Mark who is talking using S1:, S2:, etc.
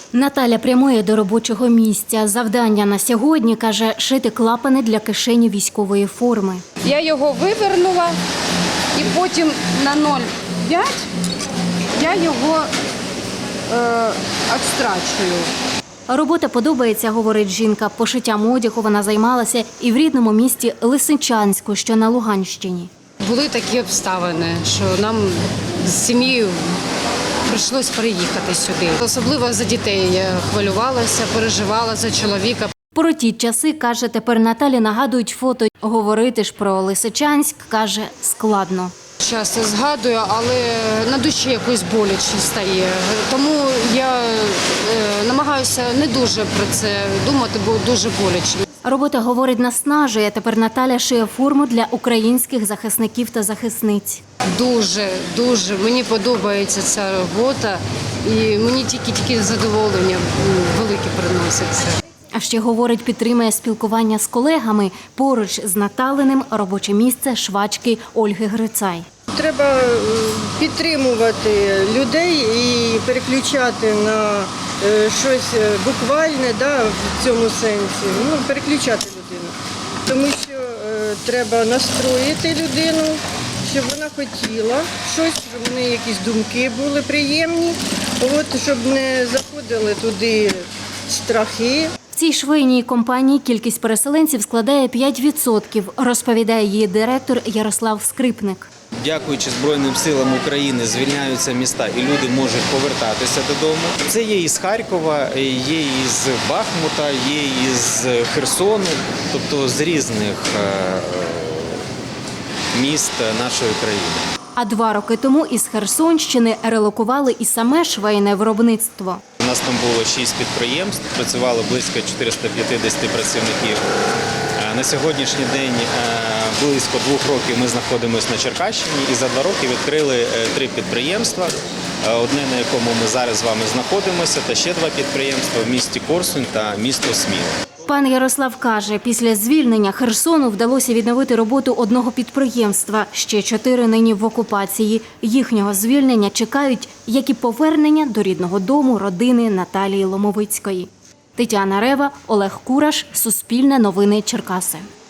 S1: Наталя прямує до робочого місця. Завдання на сьогодні, каже, шити клапани для кишені військової форми.
S2: Я його вивернула і потім на 0,5 я його відстрачую.
S1: Робота подобається, говорить жінка. Пошиттям одягу вона займалася і в рідному місті Лисичанську, що на Луганщині.
S2: Були такі обставини, що нам з сім'єю прийшлось переїхати сюди. Особливо за дітей я хвилювалася, переживала за чоловіка.
S1: Про ті часи, каже, тепер Наталі нагадують фото. Говорити ж про Лисичанськ, каже, складно.
S2: Часто згадую, але на душі якось боляче стає. Тому я намагаюся не дуже про це думати, бо дуже боляче.
S1: Робота, говорить, наснажує. Тепер Наталя шиє форму для українських захисників та захисниць.
S2: Дуже мені подобається ця робота і мені тільки задоволення велике приноситься.
S1: А ще, говорить, підтримує спілкування з колегами. Поруч з Наталиним робоче місце швачки Ольги Грицай.
S3: Треба підтримувати людей і переключати на щось буквальне, в цьому сенсі. Переключати людину. Тому що треба настроїти людину, щоб вона хотіла щось, щоб в неї якісь думки були приємні, щоб не заходили туди страхи.
S1: В цій швейній компанії кількість переселенців складає 5%, розповідає її директор Ярослав Скрипник.
S4: Дякуючи Збройним силам України, звільняються міста і люди можуть повертатися додому. Це є із Харкова, є із Бахмута, є із Херсону, тобто з різних міст нашої країни.
S1: А 2 роки тому із Херсонщини релокували і саме швейне виробництво.
S4: У нас там було 6 підприємств, працювало близько 450 працівників. На сьогоднішній день близько 2 років ми знаходимося на Черкащині і за 2 роки відкрили 3 підприємства. Одне, на якому ми зараз з вами знаходимося, та ще 2 підприємства в місті Корсунь та місто Сміла.
S1: Пан Ярослав каже, після звільнення Херсону вдалося відновити роботу одного підприємства. Ще 4 нині в окупації. Їхнього звільнення чекають, як і повернення до рідного дому родини Наталії Ломовицької. Тетяна Рева, Олег Кураш, Суспільне новини Черкаси.